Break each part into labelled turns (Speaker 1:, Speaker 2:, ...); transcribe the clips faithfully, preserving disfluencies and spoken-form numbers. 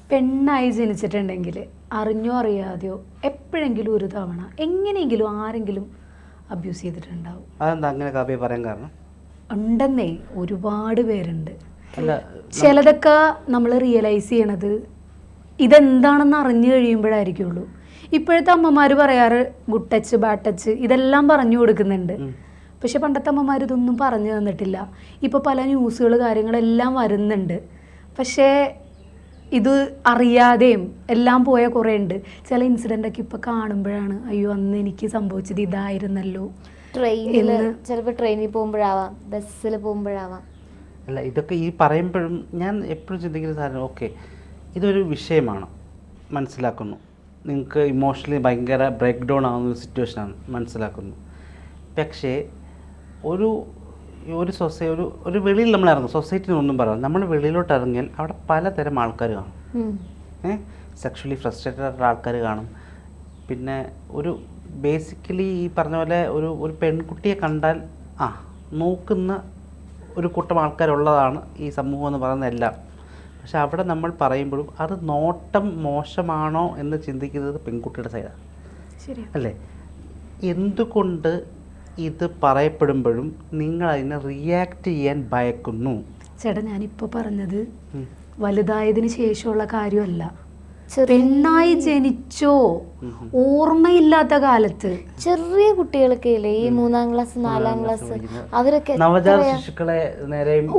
Speaker 1: പെണ്ണായി ജനിച്ചിട്ടുണ്ടെങ്കിൽ അറിഞ്ഞോ അറിയാതെയോ എപ്പോഴെങ്കിലും ഒരു തവണ എങ്ങനെയെങ്കിലും ആരെങ്കിലും അബ്യൂസ് ചെയ്തിട്ടുണ്ടാവും.
Speaker 2: അതെന്താ അങ്ങനെ കാവ്യ പറയാൻ കാരണം?
Speaker 1: ഉണ്ടെന്നേ, ഒരുപാട് പേരുണ്ട്. ചിലതൊക്കെ നമ്മൾ റിയലൈസ് ചെയ്യണത് ഇതെന്താണെന്ന് അറിഞ്ഞു കഴിയുമ്പോഴായിരിക്കുള്ളൂ. ഇപ്പോഴത്തെ അമ്മമാർ പറയാറ് ഗുഡ് ടച്ച് ബാഡ് ടച്ച് ഇതെല്ലാം പറഞ്ഞു കൊടുക്കുന്നുണ്ട്. പക്ഷെ പണ്ടത്തെ അമ്മമാർ ഇതൊന്നും പറഞ്ഞു തന്നിട്ടില്ല. ഇപ്പോൾ പല ന്യൂസുകൾ കാര്യങ്ങളെല്ലാം വരുന്നുണ്ട്. പക്ഷേ ഇത് അറിയാതെയും എല്ലാം പോയ കുറേ ഉണ്ട്. ചില ഇൻസിഡൻ്റൊക്കെ ഇപ്പോൾ കാണുമ്പോഴാണ് അയ്യോ അന്ന് എനിക്ക് സംഭവിച്ചത് ഇതായിരുന്നല്ലോ.
Speaker 3: ട്രെയിനിൽ ചിലപ്പോൾ ട്രെയിനിൽ പോകുമ്പോഴാവാം, ബസ്സിൽ പോകുമ്പോഴാവാം.
Speaker 2: അല്ല, ഇതൊക്കെ ഈ പറയുമ്പോഴും ഞാൻ എപ്പോഴും ചിന്തിക്കുന്ന സാധനം, ഓക്കെ ഇതൊരു വിഷയമാണ്, മനസ്സിലാക്കുന്നു. നിങ്ങൾക്ക് ഇമോഷണലി ഭയങ്കര ബ്രേക്ക് ഡൗൺ ആകുന്ന ഒരു സിറ്റുവേഷനാണ്, മനസ്സിലാക്കുന്നു. പക്ഷേ ഒരു ഒരു സൊസൈ ഒരു ഒരു വെളിയിൽ നമ്മൾ ഇറങ്ങും, സൊസൈറ്റിന് ഒന്നും പറയാം, നമ്മൾ വെളിയിലോട്ട് ഇറങ്ങിയാൽ അവിടെ പലതരം ആൾക്കാർ കാണും. ഏഹ് സെക്ഷുവലി ഫ്രസ്ട്രേറ്റഡ് ആയിട്ടുള്ള ആൾക്കാർ കാണും. പിന്നെ ഒരു ബേസിക്കലി ഈ പറഞ്ഞ പോലെ ഒരു ഒരു പെൺകുട്ടിയെ കണ്ടാൽ ആ നോക്കുന്ന ഒരു കൂട്ടം ആൾക്കാരുള്ളതാണ് ഈ സമൂഹം എന്ന് പറയുന്നത് എല്ലാം. പക്ഷെ അവിടെ നമ്മൾ പറയുമ്പോഴും അത് നോട്ടം മോശമാണോ എന്ന് ചിന്തിക്കുന്നത് പെൺകുട്ടിയുടെ സൈഡാണ്, അല്ലേ? എന്തുകൊണ്ട് ഇത് പറയപ്പെടുമ്പോഴും നിങ്ങൾ അതിനെ റിയാക്ട് ചെയ്യാൻ ഭയക്കുന്നു?
Speaker 1: ചേട്ടാ, ഞാനിപ്പോൾ പറഞ്ഞത് വലുതായതിനു ശേഷമുള്ള കാര്യമല്ല. പെണ്ണായി ജനിച്ചോ ഓർമ്മയില്ലാത്ത കാലത്ത്
Speaker 3: ചെറിയ കുട്ടികളൊക്കെ ഇല്ലേ, ഈ മൂന്നാം ക്ലാസ് നാലാം ക്ലാസ്, അവരൊക്കെ
Speaker 2: നവജാത ശിശുക്കളെ നേരെ
Speaker 1: ഓ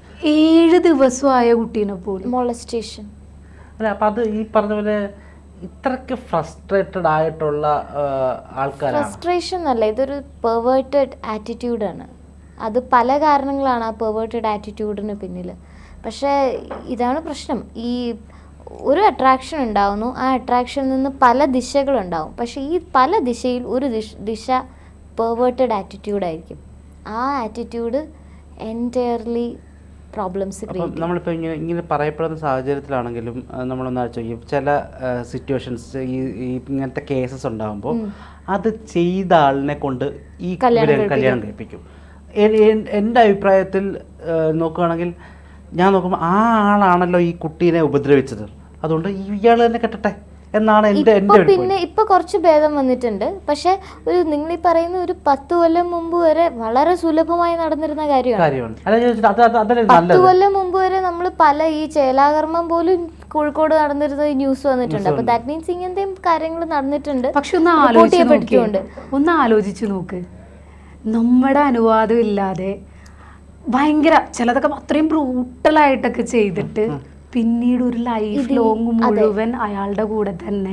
Speaker 1: ഏഴ് ദിവസമായ കുട്ടീനെ പോലും
Speaker 3: മോളസ്റ്റേഷൻ.
Speaker 2: അല്ല, അപ്പം അത് ഈ പറഞ്ഞ പോലെ ഇത്രയ്ക്ക് ഫ്രസ്ട്രേറ്റഡ് ആയിട്ടുള്ള ആൾക്കാരാണ്.
Speaker 3: ഫ്രസ്ട്രേഷൻ അല്ല, ഇതൊരു പെർവേർട്ടഡ് ആറ്റിറ്റ്യൂഡാണ്. അത് പല കാരണങ്ങളാണ് ആ പെർവേർട്ടഡ് ആറ്റിറ്റ്യൂഡിന് പിന്നിൽ. പക്ഷേ ഇതാണ് പ്രശ്നം. ഈ ഒരു അട്രാക്ഷൻ ഉണ്ടാവുന്നു, ആ അട്രാക്ഷനിൽ നിന്ന് പല ദിശകളുണ്ടാവും. പക്ഷേ ഈ പല ദിശയിൽ ഒരു ദിശ ദിശ പെർവേർട്ടഡ് ആറ്റിറ്റ്യൂഡായിരിക്കും. ആ ആറ്റിറ്റ്യൂഡ് എൻറ്റയർലി പ്രോബ്ലംസ് ക്രിയേറ്റ് ചെയ്യും.
Speaker 2: നമ്മളിപ്പോൾ ഇങ്ങനെ ഇങ്ങനെ പറയപ്പെടുന്ന സാഹചര്യത്തിലാണെങ്കിലും നമ്മളൊന്ന് ആലോചിക്കും, ചില സിറ്റുവേഷൻസ് ഈ ഇങ്ങനത്തെ കേസസ് ഉണ്ടാകുമ്പോൾ അത് ചെയ്ത ആളിനെ കൊണ്ട് ഈ കല്യാണം കഴിപ്പിക്കും. എൻ്റെ അഭിപ്രായത്തിൽ നോക്കുകയാണെങ്കിൽ ഞാൻ നോക്കുമ്പോൾ ആ ആളാണല്ലോ ഈ കുട്ടീനെ ഉപദ്രവിച്ചത്, അതുകൊണ്ട് ഇയാൾ തന്നെ കെട്ടട്ടെ എന്നാണ് എൻ്റെ എൻ്റെ
Speaker 3: പിന്നെ ഇപ്പൊ കുറച്ച് ഭേദം വന്നിട്ടുണ്ട്. പക്ഷെ ഒരു നിങ്ങൾ ഈ പറയുന്ന ഒരു പത്ത് കൊല്ലം മുമ്പ് വരെ വളരെ സുലഭമായി നടന്നിരുന്ന കാര്യമാണ്. പത്ത് കൊല്ലം മുമ്പ് വരെ നമ്മൾ പല ഈ ചേലാകർമ്മം പോലും കോഴിക്കോട് നടന്നിരുന്ന ന്യൂസ് വന്നിട്ടുണ്ട്. അപ്പൊ ദാറ്റ് മീൻസ് ഇങ്ങനത്തെ കാര്യങ്ങൾ നടന്നിട്ടുണ്ട്.
Speaker 1: പക്ഷെ ഒന്ന് ആലോചിച്ച് ഒന്ന് ആലോചിച്ച് നോക്ക്, നമ്മുടെ അനുവാദം ഇല്ലാതെ ഭയങ്കര ചിലതൊക്കെ അത്രയും ബ്രൂട്ടലായിട്ടൊക്കെ ചെയ്തിട്ട് പിന്നീട് ഒരു ലൈഫ് ലോങ് മുഴുവൻ അയാളുടെ കൂടെ തന്നെ.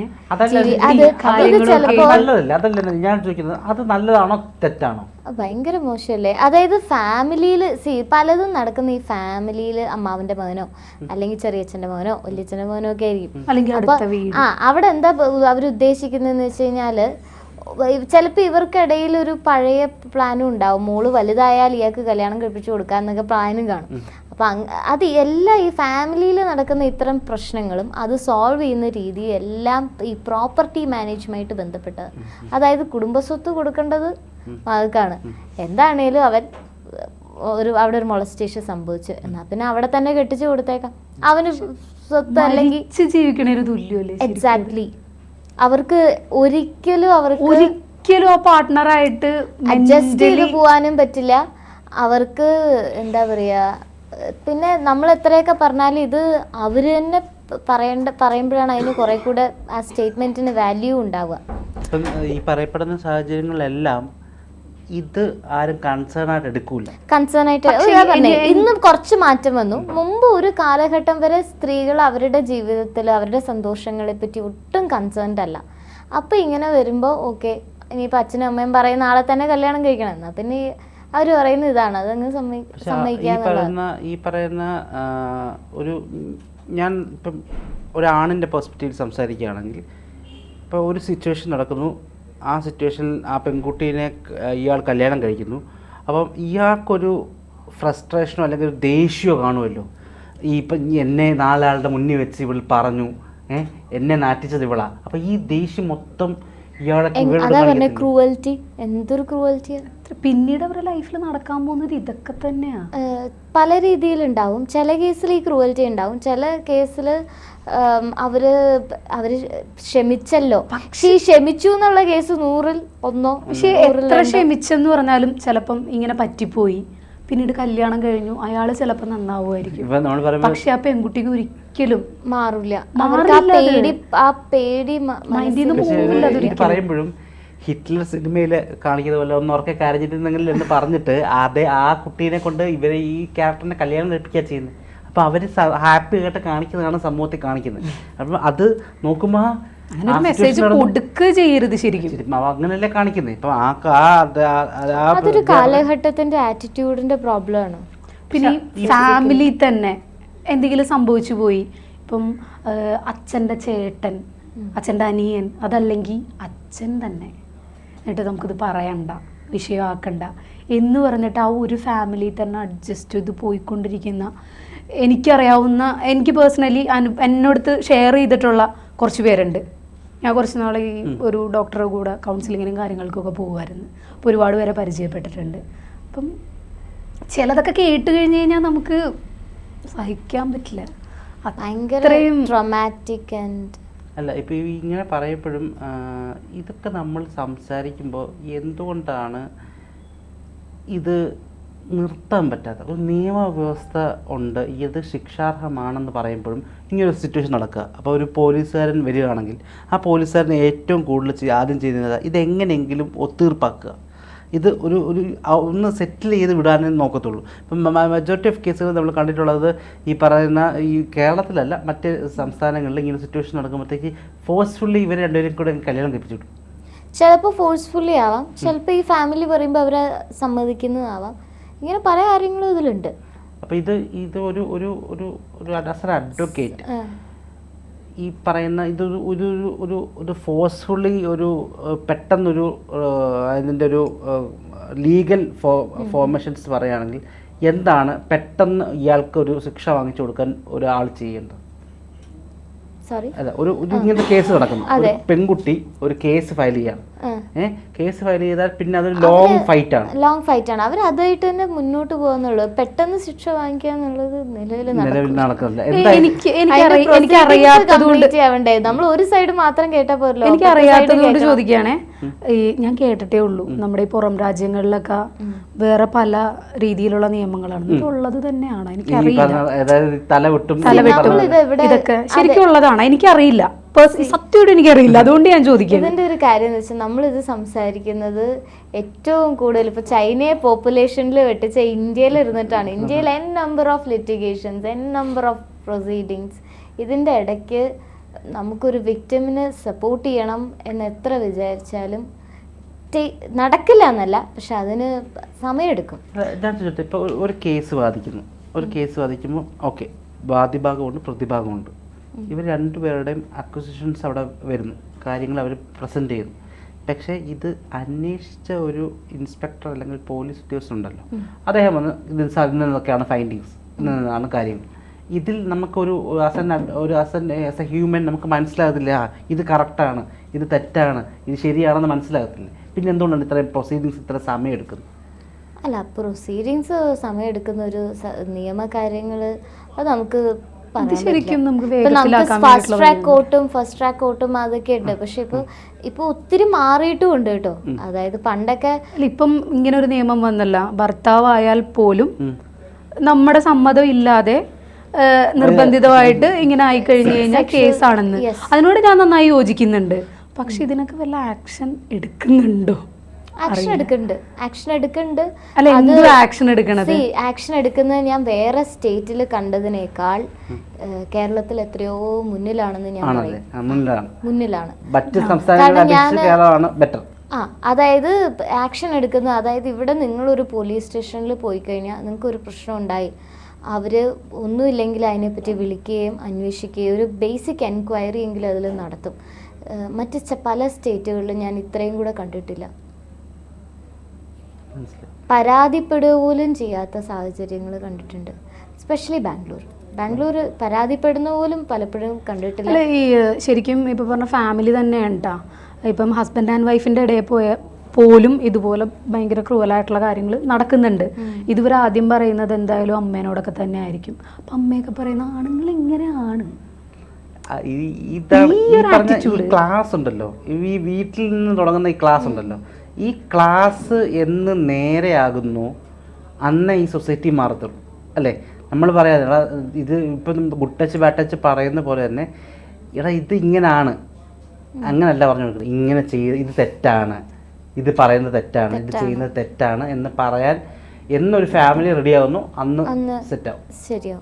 Speaker 2: ഞാൻ ചോദിക്കുന്നത് അത് നല്ലതാണോ തെറ്റാണോ?
Speaker 3: ഭയങ്കര മോശമല്ലേ? അതായത് ഫാമിലിയിൽ സി പലതും നടക്കുന്ന ഈ ഫാമിലിയിൽ അമ്മാവന്റെ മകനോ അല്ലെങ്കിൽ ചെറിയച്ഛന്റെ മകനോ വലിയച്ഛന്റെ മകനോ ഒക്കെ ആയിരിക്കും. അപ്പൊ ആ അവിടെ എന്താ അവരുദ്ദേശിക്കുന്നതെന്ന് വെച്ച് കഴിഞ്ഞാല് ചിലപ്പോൾ ഇവർക്കിടയിൽ ഒരു പഴയ പ്ലാനും ഉണ്ടാവും, മോള് വലുതായാൽ ഇയാൾക്ക് കല്യാണം കഴിപ്പിച്ചു കൊടുക്കാന്നൊക്കെ പ്ലാനും കാണും. അപ്പം അത് എല്ലാം ഈ ഫാമിലിയിൽ നടക്കുന്ന ഇത്തരം പ്രശ്നങ്ങളും അത് സോൾവ് ചെയ്യുന്ന രീതി എല്ലാം ഈ പ്രോപ്പർട്ടി മാനേജ്മെൻറ്റുമായിട്ട് ബന്ധപ്പെട്ടത്. അതായത് കുടുംബസ്വത്ത് കൊടുക്കേണ്ടത് മകൾക്കാണ്. എന്താണേലും അവൻ ഒരു അവിടെ ഒരു മൊളസ്റ്റേഷൻ സംഭവിച്ചു എന്നാൽ പിന്നെ അവിടെ തന്നെ കെട്ടിച്ചു കൊടുത്തേക്കാം. അവന് സ്വത്ത് അല്ലെങ്കിൽ
Speaker 1: ജീവിക്കണ ഒരു തുല്യമല്ലേ?
Speaker 3: എക്സാക്ട്ലി. അവർക്ക് ഒരിക്കലും അവർക്ക്
Speaker 1: ഒരിക്കലും ആ പാർട്ട്ണറായിട്ട്
Speaker 3: അഡ്ജസ്റ്റ് ചെയ്ത് പോകാനും പറ്റില്ല. അവർക്ക് എന്താ പറയുക, പിന്നെ നമ്മൾ എത്രയൊക്കെ പറഞ്ഞാലും ഇത് അവർ തന്നെ പറയേണ്ട പറയുമ്പോഴാണ് അതിന് കുറെ കൂടെ ആ സ്റ്റേറ്റ്മെന്റിന് വാല്യൂ ഉണ്ടാവുക.
Speaker 2: ഈ പറയപ്പെടുന്ന സാഹചര്യങ്ങളെല്ലാം ഇത് ആരും കൺസേൺ ആയിട്ട് എടുക്കൂല.
Speaker 3: കൺസേൺ ആയിട്ട് ഇന്നും കുറച്ച് മാറ്റം വന്നു. മുമ്പ് ഒരു കാലഘട്ടം വരെ സ്ത്രീകൾ അവരുടെ ജീവിതത്തിൽ അവരുടെ സന്തോഷങ്ങളെ പറ്റി ഒട്ടും കൺസേൺഡ് അല്ല. അപ്പൊ ഇങ്ങനെ വരുമ്പോ ഓക്കെ ഇനിയിപ്പോ അച്ഛനും അമ്മയും പറയുന്ന ആളെ തന്നെ കല്യാണം കഴിക്കണം എന്നാ പിന്നെ അവർ പറയുന്ന ഇതാണ്, അതങ്ങ് സമ്മതിക്കാന്നുള്ളതാണ്.
Speaker 2: ഈ പറയുന്ന ഒരു ഞാൻ ഇപ്പം ഒരാണിൻ്റെ പെർസ്പെക്റ്റീവിൽ സംസാരിക്കുകയാണെങ്കിൽ ഇപ്പോൾ ഒരു സിറ്റുവേഷൻ നടക്കുന്നു, ആ സിറ്റുവേഷനിൽ ആ പെൺകുട്ടീനെ ഇയാൾ കല്യാണം കഴിക്കുന്നു. അപ്പം ഇയാൾക്കൊരു ഫ്രസ്ട്രേഷനോ അല്ലെങ്കിൽ ഒരു ദേഷ്യമോ കാണുമല്ലോ. ഈ ഇപ്പം എന്നെ നാലാളുടെ മുന്നിൽ വെച്ച് ഇവൾ പറഞ്ഞു, ഏഹ് എന്നെ നാറ്റിച്ചത് ഇവളാ. അപ്പോൾ ഈ ദേഷ്യം മൊത്തം ഇയാളൊക്കെ
Speaker 3: എങ്-
Speaker 2: ഇവരോട്
Speaker 3: അതാ പറഞ്ഞ
Speaker 2: കാണിക്കത്തില്ലേ?
Speaker 3: ക്രൂവൽറ്റി, എന്തൊരു ക്രൂവൽറ്റിയാ.
Speaker 1: പിന്നീട് അവരുടെ ലൈഫിൽ നടക്കാൻ പോകുന്നത് ഇതൊക്കെ തന്നെയാ.
Speaker 3: ഏഹ് പല രീതിയിലുണ്ടാവും. ചില കേസിൽ ഈ ക്രൂവൽറ്റി ഉണ്ടാവും, ചില കേസിൽ അവര് അവര് ക്ഷമിച്ചല്ലോ, പക്ഷെ ഈ ക്ഷമിച്ചു എന്നുള്ള കേസ് നൂറിൽ ഒന്നോ
Speaker 1: പക്ഷെ
Speaker 3: നൂറിൽ
Speaker 1: എത്ര
Speaker 3: രണ്ടോ.
Speaker 1: ക്ഷമിച്ചെന്ന് പറഞ്ഞാലും ചിലപ്പം ഇങ്ങനെ പറ്റിപ്പോയി, പിന്നീട് കല്യാണം കഴിഞ്ഞു, അയാൾ ചിലപ്പോൾ നന്നാവുമായിരിക്കും.
Speaker 2: ഇപ്പൊ നമ്മൾ പറയുമ്പോൾ
Speaker 1: പക്ഷെ ആ പെൺകുട്ടിക്ക് ഒരിക്കലും
Speaker 3: മാറില്ല.
Speaker 1: മാറില്ല
Speaker 3: അവർക്ക് ആ
Speaker 1: അത്.
Speaker 3: പേടി ആ പേടി മ-
Speaker 1: മൈൻഡിൽ നിന്ന്
Speaker 3: മനസ്സിൽ-
Speaker 2: പക്ഷേ
Speaker 1: പോകില്ല
Speaker 2: ഇത്
Speaker 1: അതൊരിക്കലും.
Speaker 2: പറയുമ്പോഴും ഹിറ്റ്ലർ സിനിമയിൽ കാണിക്കുന്ന പോലെ ഒന്ന് ഉറക്കെ കരഞ്ഞിട്ടുണ്ടെങ്കിൽ എന്ന് പറഞ്ഞിട്ട് അതേ ആ കുട്ടീനെ കൊണ്ട് ഇവരെ ഈ ക്യാരക്ടറിനെ കല്യാണം കഴിപ്പിക്കുക ചെയ്യുന്നത്. അപ്പോൾ അവർ ഹാപ്പി ആയിട്ട് കാണിക്കുന്നതാണ് സമൂഹത്തിൽ കാണിക്കുന്നത്. അപ്പം അത് നോക്കുമ്പോൾ
Speaker 1: അങ്ങനെ ഒരു മെസ്സേജ് കൊടുക്കുക ചെയ്യരുത് ശരിക്കും.
Speaker 2: അങ്ങനെയല്ലേ കാണിക്കുന്നത്. ഇപ്പം ആ ആ അത് ആ- ആ
Speaker 3: അതൊരു കാലഘട്ടത്തിന്റെ ആറ്റിറ്റ്യൂഡിന്റെ പ്രോബ്ലം ആണ്.
Speaker 1: പിന്നെ ഈ ഫാമിലി തന്നെ എന്തെങ്കിലും സംഭവിച്ചു പോയി, ഇപ്പം അച്ഛൻ്റെ ചേട്ടൻ, അച്ഛൻ്റെ അനിയൻ, അതല്ലെങ്കിൽ അച്ഛൻ തന്നെ, എന്നിട്ട് നമുക്കിത് പറയണ്ട, വിഷയമാക്കണ്ട എന്ന് പറഞ്ഞിട്ട് ആ ഒരു ഫാമിലി തന്നെ അഡ്ജസ്റ്റ് ചെയ്ത് പോയിക്കൊണ്ടിരിക്കുന്ന, എനിക്കറിയാവുന്ന, എനിക്ക് പേഴ്സണലി അനു എന്നോടത്ത് ഷെയർ ചെയ്തിട്ടുള്ള കുറച്ച് പേരുണ്ട്. ഞാൻ കുറച്ച് നാൾ ഈ ഒരു ഡോക്ടറുടെ കൂടെ കൗൺസിലിങ്ങിനും കാര്യങ്ങൾക്കൊക്കെ പോകുമായിരുന്നു. അപ്പോൾ ഒരുപാട് പേരെ പരിചയപ്പെട്ടിട്ടുണ്ട്. അപ്പം ചിലതൊക്കെ കേട്ട് കഴിഞ്ഞ് കഴിഞ്ഞാൽ നമുക്ക് സഹിക്കാൻ പറ്റില്ല.
Speaker 3: ഭയങ്കര
Speaker 1: അത്രയും
Speaker 3: ട്രോമാറ്റിക് ആൻഡ്
Speaker 2: അല്ല ഇപ്പോൾ ഇങ്ങനെ പറയപ്പോഴും ഇതൊക്കെ നമ്മൾ സംസാരിക്കുമ്പോൾ എന്തുകൊണ്ടാണ് ഇത് നിർത്താൻ പറ്റാത്ത ഒരു നിയമവ്യവസ്ഥ ഉണ്ട്, ഇത് ശിക്ഷാർഹമാണെന്ന് പറയുമ്പോഴും ഇങ്ങനൊരു സിറ്റുവേഷൻ നടക്കുക. അപ്പോൾ ഒരു പോലീസുകാരൻ വരികയാണെങ്കിൽ ആ പോലീസുകാരൻ ഏറ്റവും കൂടുതൽ ചെയ്യ- ആദ്യം ചെയ്യുന്നത് ഇതെങ്ങനെയെങ്കിലും ഒത്തീർപ്പാക്കുക, ഇത് ഒരു ഒരു ഒന്ന് സെറ്റിൽ ചെയ്ത് വിടാനേ നോക്കത്തുള്ളൂ. ഇപ്പം മെജോറിറ്റി ഓഫ് കേസുകൾ നമ്മൾ കണ്ടിട്ടുള്ളത് ഈ പറയുന്ന ഈ കേരളത്തിലല്ല മറ്റ് സംസ്ഥാനങ്ങളിൽ ഇങ്ങനെ സിറ്റുവേഷൻ നടക്കുമ്പോഴത്തേക്ക് ഫോഴ്സ്ഫുള്ളി ഇവർ രണ്ടുപേരും കൂടെ കല്യാണം കഴിപ്പിച്ചു വിടും.
Speaker 3: ചിലപ്പോൾ ഫോഴ്സ്ഫുള്ളി ആവാം, ചിലപ്പോൾ ഈ ഫാമിലി പറയുമ്പോൾ അവരെ സമ്മതിക്കുന്നതാവാം. ഇങ്ങനെ പല കാര്യങ്ങളും ഇതിലുണ്ട്.
Speaker 2: അപ്പോൾ ഇത് ഇത് ഒരു ഒരു ഒരു ഒരു ആസ് എൻ അഡ്വക്കേറ്റ് ഈ പറയുന്ന ഇതൊരു ഒരു ഒരു ഒരു ഒരു ഫോഴ്സ്ഫുള്ളി ഒരു ഏഹ്, പെട്ടെന്നൊരു ഏഹ്, അതിൻ്റെ ഒരു ലീഗൽ ഫോ ഫോർമേഷൻസ് പറയുകയാണെങ്കിൽ എന്താണ് പെട്ടെന്ന് ഇയാൾക്ക് ഒരു ശിക്ഷ വാങ്ങിച്ചു കൊടുക്കാൻ ഒരാൾ ചെയ്യേണ്ടത്?
Speaker 3: സോറി
Speaker 2: അല്ല, ഒരു ഒരു ഇങ്ങനത്തെ കേസ് നടക്കുന്നു, ഒരു പെൺകുട്ടി ഒരു കേസ് ഫയൽ ചെയ്യാം, ഏഹ് കേസ് ഫയൽ ചെയ്താൽ പിന്നെ അതൊരു ലോങ് ഫൈറ്റ് ആണ്,
Speaker 3: ലോങ് ഫൈറ്റ് ആണ്. അവർ അതായിട്ട് തന്നെ മുന്നോട്ട് പോകുന്നുള്ളൂ. പെട്ടെന്ന് ശിക്ഷ വാങ്ങിക്കുക എന്നുള്ളത് നിലവിൽ
Speaker 2: നിലവിൽ നടക്കുന്നില്ല.
Speaker 1: എനിക്ക് എനിക്ക് അറിയാത്തത് കൊണ്ട്
Speaker 3: ആവണ്ടേ, നമ്മൾ ഒരു സൈഡ് മാത്രം കേട്ടാ പോരല്ലോ.
Speaker 1: എനിക്ക് അറിയാത്തത് കൊണ്ട് ചോദിക്കുകയാണേ. ഈ ഞാൻ കേട്ടിട്ടേ ഉള്ളൂ നമ്മുടെ ഈ പുറം രാജ്യങ്ങളിലൊക്കെ വേറെ പല രീതിയിലുള്ള നിയമങ്ങളാണ്, ഇതുള്ളത് തന്നെയാണ് എനിക്കറിയില്ല.
Speaker 2: അതായത് തല വെട്ടും
Speaker 1: തലവെട്ടും ഇതൊക്കെ ശരിക്കും ഉള്ളതാണ്, എനിക്കറിയില്ല. സത്യമായിട്ട് എനിക്കറിയില്ല, അതുകൊണ്ട് ഞാൻ ചോദിക്കുന്നത്.
Speaker 3: ഇതിന്റെ ഒരു കാര്യം എന്ന് വെച്ചാൽ നമ്മളിത് സംസാരിക്കുന്നത് ഏറ്റവും കൂടുതൽ ഇപ്പൊ ചൈനയെ പോപ്പുലേഷനിൽ വെട്ടിച്ച ഇന്ത്യയിൽ ഇരുന്നിട്ടാണ്. ഇന്ത്യയിൽ n number of litigations, n number of proceedings. ഇതിന്റെ ഇടയ്ക്ക് നമുക്കൊരു വിക്ടിമിന് സപ്പോർട്ട് ചെയ്യണം എന്ന് എത്ര വിചാരിച്ചാലും നടക്കില്ല എന്നല്ല, പക്ഷെ അതിന് സമയമെടുക്കും.
Speaker 2: ഞാൻ ചോദിച്ചത് ഇപ്പോൾ ഒരു കേസ് വാദിക്കുന്നു, ഒരു കേസ് വാദിക്കുമ്പോൾ ഓക്കെ വാദിഭാഗമുണ്ട് പ്രതിഭാഗമുണ്ട്, ഇവർ രണ്ടുപേരുടെയും അക്വസിഷൻസ് അവിടെ വരുന്നു, കാര്യങ്ങൾ അവർ പ്രസൻറ്റ് ചെയ്യുന്നു. പക്ഷേ ഇത് അന്വേഷിച്ച ഒരു ഇൻസ്പെക്ടർ അല്ലെങ്കിൽ പോലീസ് ഉദ്യോഗസ്ഥൻ ഉണ്ടല്ലോ, അദ്ദേഹം വന്ന് ഇത് അതിൽ നിന്നൊക്കെയാണ് ഫൈൻഡിങ്സ്, ഇന്നാണ് കാര്യങ്ങൾ. ഇതിൽ നമുക്കൊരു ആസ് എൻ ഒരു as n as a human നമുക്ക് മനസ്സിലാകത്തില്ല, ആ ഇത് കറക്റ്റാണ്, ഇത് തെറ്റാണ്, ഇത് ശരിയാണെന്ന് മനസ്സിലാകത്തില്ല. പിന്നെ എന്തുകൊണ്ടാണ് ഇത്രയും പ്രൊസീഡിങ്സ് ഇത്ര സമയം എടുക്കുന്നത്?
Speaker 3: അല്ല, പ്രൊസീഡിങ്സ് സമയം എടുക്കുന്ന ഒരു നിയമകാര്യങ്ങൾ അത് നമുക്ക്
Speaker 1: ശരിക്കും നമുക്ക്
Speaker 3: ഫാസ്റ്റ് ട്രാക്ക് കോർട്ടും ഫസ്റ്റ് ട്രാക്ക് കോർട്ടും അതൊക്കെ ഉണ്ട്. പക്ഷെ ഇപ്പൊ ഇപ്പൊ ഒത്തിരി മാറിയിട്ടും ഉണ്ട് കേട്ടോ. അതായത് പണ്ടൊക്കെ
Speaker 1: ഇപ്പം ഇങ്ങനെ ഒരു നിയമം വന്നല്ല, ഭർത്താവായാൽ പോലും നമ്മുടെ സമ്മതം ഇല്ലാതെ നിർബന്ധിതമായിട്ട് ഇങ്ങനെ ആയി കഴിഞ്ഞു കഴിഞ്ഞാൽ കേസാണെന്ന്. അതിനോട് ഞാൻ നന്നായി യോജിക്കുന്നുണ്ട്. പക്ഷെ ഇതിനൊക്കെ വല്ല ആക്ഷൻ എടുക്കുന്നുണ്ടോ?
Speaker 3: ആക്ഷൻ എടുക്കുന്നുണ്ട്, ആക്ഷൻ എടുക്കുന്നുണ്ട്.
Speaker 1: അല്ല, എന്ത് ആക്ഷൻ എടുക്കണത്?
Speaker 3: ആക്ഷൻ എടുക്കുന്നത് ഞാൻ വേറെ സ്റ്റേറ്റിൽ കണ്ടതിനേക്കാൾ കേരളത്തിൽ എത്രയോ മുന്നിലാണെന്ന് ഞാൻ പറയും. മുന്നിലാണ്. കാരണം ഞാൻ ആ അതായത് ആക്ഷൻ എടുക്കുന്നത്, അതായത് ഇവിടെ നിങ്ങളൊരു പോലീസ് സ്റ്റേഷനിൽ പോയി കഴിഞ്ഞാൽ നിങ്ങൾക്ക് ഒരു പ്രശ്നം ഉണ്ടായി, അവർ ഒന്നുമില്ലെങ്കിൽ അതിനെപ്പറ്റി വിളിക്കുകയും അന്വേഷിക്കുകയും ഒരു ബേസിക് എൻക്വയറി എങ്കിലും അതിൽ നടത്തും. മറ്റ് പല സ്റ്റേറ്റുകളിലും ഞാൻ ഇത്രയും കൂടെ കണ്ടിട്ടില്ല. പരാതിപ്പെടുക പോലും ചെയ്യാത്ത സാഹചര്യങ്ങൾ കണ്ടിട്ടുണ്ട്. എസ്പെഷ്യലി ബാംഗ്ലൂർ ബാംഗ്ലൂർ പരാതിപ്പെടുന്ന പോലും പലപ്പോഴും കണ്ടിട്ടില്ല.
Speaker 1: അല്ല, ഈ ശരിക്കും ഇപ്പോൾ പറഞ്ഞ ഫാമിലി തന്നെയാണ് കേട്ടോ ഇപ്പം ഹസ്ബൻഡ് ആൻഡ് വൈഫിൻ്റെ ഇടയിൽ പോയ പോലും ഇതുപോലെ ഭയങ്കര ക്രൂവലായിട്ടുള്ള കാര്യങ്ങൾ നടക്കുന്നുണ്ട്. ഇതുവർ ആദ്യം പറയുന്നത് എന്തായാലും അമ്മേനോടൊക്കെ തന്നെ ആയിരിക്കും. അപ്പം അമ്മയൊക്കെ പറയുന്ന ആണുങ്ങൾ ഇങ്ങനെയാണ്.
Speaker 2: ആ, ഈ- ഇതാണ് ഈ പറഞ്ഞ ഈ ക്ലാസ് ഉണ്ടല്ലോ, ഈ വീട്ടിൽ നിന്ന് തുടങ്ങുന്ന ഈ ക്ലാസ് ഉണ്ടല്ലോ, ഈ ക്ലാസ് എന്ന് നേരെയാകുന്നു അന്ന് ഈ സൊസൈറ്റി മാറത്തുള്ളൂ അല്ലേ? നമ്മൾ പറയാതെ എടാ ഇത് ഇപ്പം ഗുട്ടച്ച് ബാട്ടച്ച് പറയുന്ന പോലെ തന്നെ, എടാ ഇത് ഇങ്ങനാണ്, അങ്ങനല്ല പറഞ്ഞു കൊടുക്കുന്നത്, ഇങ്ങനെ ചെയ്ത് ഇത് തെറ്റാണ്, ഇത് പറയുന്നത് തെറ്റാണ്, ഇത് ചെയ്യുന്നത് തെറ്റാണ് എന്ന് പറയാൻ എന്നൊരു ഫാമിലി റെഡി ആവുന്നു, അന്ന് സെറ്റാവും.
Speaker 3: ശരിയോ?